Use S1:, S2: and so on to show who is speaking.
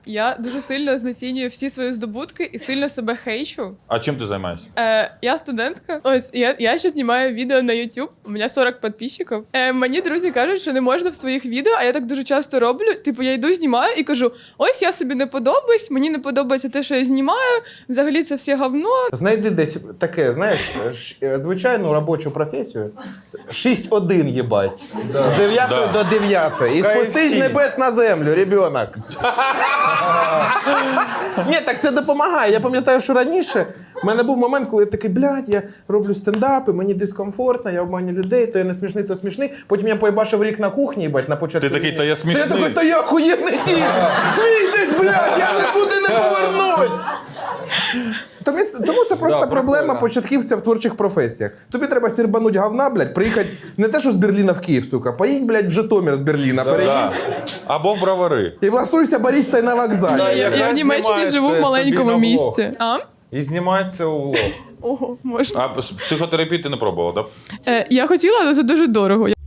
S1: Я дуже сильно знецінюю всі свої здобутки і сильно себе хейчу.
S2: А чим ти займаєшся?
S1: Я студентка. Ось я ще знімаю відео на YouTube. У мене 40 підписчиків. Мені друзі кажуть, що не можна в своїх відео, а я так дуже часто роблю. Типу, я йду, знімаю і кажу: ось я собі не подобаюсь, мені не подобається те, що я знімаю. Взагалі це все говно.
S3: Знайди десь таке, знаєш, звичайну робочу професію. 6-1 їбать. З 9 до 9. І спустись з небес на землю, ребенок. Ні, так це допомагає. Я пам'ятаю, що раніше в мене був момент, коли я такий, блядь, я роблю стендапи, мені дискомфортно, я обманю людей, то я не смішний, то смішний. Потім я поїбашив рік на кухні, їбать, на початку.
S2: Ти такий, та я смішний.
S3: Я такий, та я охуєнний тіп. Смійтесь, блядь, я нікуди не повернусь. Тому це просто проблема початківця в творчих професіях. Тобі треба сірбануть говна, блядь, приїхати не те, що з Берліна в Київ, сука, поїдь, блядь, в Житомир з Берліна, переїдь.
S2: Або в бровари.
S3: І влаштуйся барістою на вокзалі.
S1: Да, я в Німеччині живу в маленькому місті.
S4: І знімається у влог.
S1: Ого, можна.
S2: А психотерапію ти не пробувала, так?
S1: Я хотіла, але це дуже дорого.